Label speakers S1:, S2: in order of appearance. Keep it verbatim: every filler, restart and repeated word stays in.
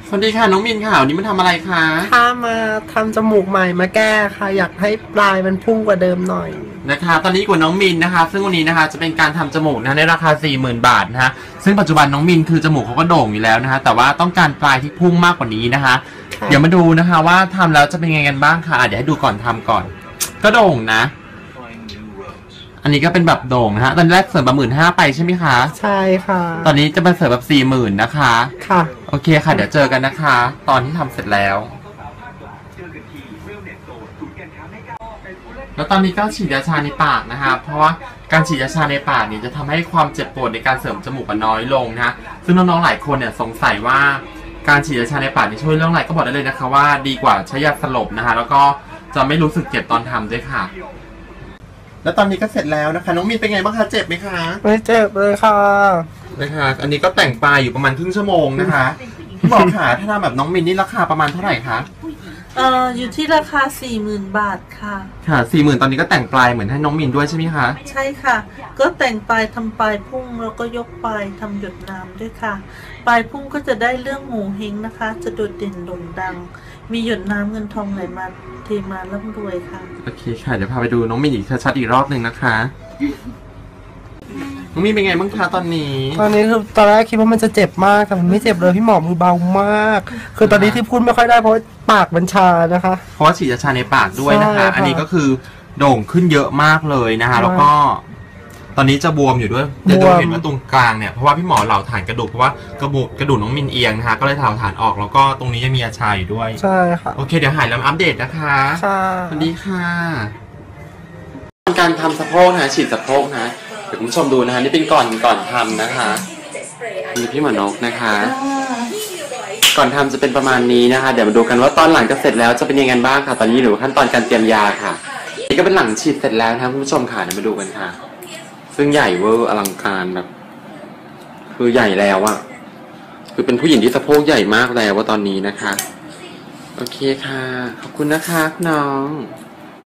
S1: สวัสดีค่ะน้องมินค่ะวันนี้มาทำอะไรคะ
S2: ถ้ามาทำจมูกใหม่มาแก้ค่ะอยากให้ปลายมันพุ่งกว่าเดิมหน่อย
S1: นะคะตอนนี้กับน้องมินนะคะซึ่งวันนี้นะคะจะเป็นการทำจมูกนะในราคา สี่หมื่น บาทนะคะซึ่งปัจจุบันน้องมินคือจมูกเขาก็โด่งอยู่แล้วนะคะแต่ว่าต้องการปลายที่พุ่งมากกว่านี้นะคะเดี๋ยวมาดูนะคะว่าทำแล้วจะเป็นยังไงกันบ้างค่ะเดี๋ยวให้ดูก่อนทำก่อนก็โด่งนะอันนี้ก็เป็นแบบโด่งนะฮะตอนแรกเสริมแบบหมื่นห้าไปใช่ไหมคะ
S2: ใช่ค่ะ
S1: ตอนนี้จะมาเสริมแบบสี่หมื่นนะคะ
S2: ค่ะ
S1: โอเคค่ะเดี๋ยวเจอกันนะคะตอนที่ทำเสร็จแล้วแล้วตอนนี้ก็ฉีดยาชาในปากนะคะเพราะว่าการฉีดยาชาในปากเนี่ยจะทำให้ความเจ็บปวดในการเสริมจมูกน้อยลงนะซึ่งน้องๆหลายคนเนี่ยสงสัยว่าการฉีดยาชาในปากนี่ช่วยเรื่องอะไรก็บอกได้เลยนะคะว่าดีกว่าใช้ยาสลบนะคะแล้วก็จะไม่รู้สึกเจ็บตอนทำด้วยค่ะแล้วตอนนี้ก็เสร็จแล้วนะคะน้องมีนเป็นไงบ้างคะเจ็บไหมคะ
S2: ไม่เจ็บเลยค่ะ
S1: นะคะอันนี้ก็แต่งปลายอยู่ประมาณครึ่งชั่วโมงนะคะพี่บอกค่ะถ้าทำแบบน้องมินนี่ราคาประมาณเท่าไหร่คะ
S3: เอ่ออยู่ที่ราคา สี่หมื่น บาทค่ะ
S1: ค่ะ สี่หมื่น ตอนนี้ก็แต่งปลายเหมือนให้น้องมินด้วยใช่ไหมคะ
S3: ใช่ค่ะก็แต่งปลายทำปลายพุ่งแล้วก็ยกปลายทำหยดน้ำด้วยค่ะปลายพุ่งก็จะได้เรื่องหมูเฮงนะคะจะโดดเด่นโด่งดังมีหยดน้ำเงินทองไหลมาเทมาร่ำรวยค่ะ
S1: โอเคค่ะเดี๋ยวพาไปดูน้องมินอีกชัดๆอีกรอบหนึ่งนะคะน้องมินเป็นไงบ้างคะตอนนี้
S2: ตอนนี้คือตอนแรกคิดว่ามันจะเจ็บมากแต่มันไม่เจ็บเลยพี่หมอมือเบามากคือตอนนี้ที่พูดไม่ค่อยได้เพราะปากมันชานะคะ
S1: เพราะว่าฉีดยาชาในปากด้วยนะคะอันนี้ก็คือโด่งขึ้นเยอะมากเลยนะคะแล้วก็ตอนนี้จะบวมอยู่ด้วยจะดูเห็นว่าตรงกลางเนี่ยเพราะว่าพี่หมอเหลาฐานกระดูกเพราะว่ากระดูกกระดูกน้องมินเอียงนะคะก็เลยเหลาฐานออกแล้วก็ตรงนี้จะมียาชาอยู่ด้วย
S2: ใช่ค่ะ
S1: โอเคเดี๋ยวหายแล้วอัปเดตนะคะ
S2: ค่ะ
S1: สวัสดีค่ะการทำสะโพกนะฉีดสะโพกนะเดี๋ยวคุณผู้ชมดูนะคะนี่เป็นก่อนก่อนทำนะคะมีพี่หมอนกนะคะก่อนทำจะเป็นประมาณนี้นะคะเดี๋ยวมาดูกันว่าตอนหลังจะเสร็จแล้วจะเป็นยังไงบ้างค่ะตอนนี้หรือขั้นตอนการเตรียมยาค่ะนี่ก็เป็นหลังฉีดเสร็จแล้วนะครับคุณผู้ชมค่ะเดี๋ยวมาดูกันค่ะซึ่งใหญ่เวอร์อลังการแบบคือใหญ่แล้วอะคือเป็นผู้หญิงที่สะโพกใหญ่มากแล้วว่าตอนนี้นะคะโอเคค่ะขอบคุณนะคะน้อง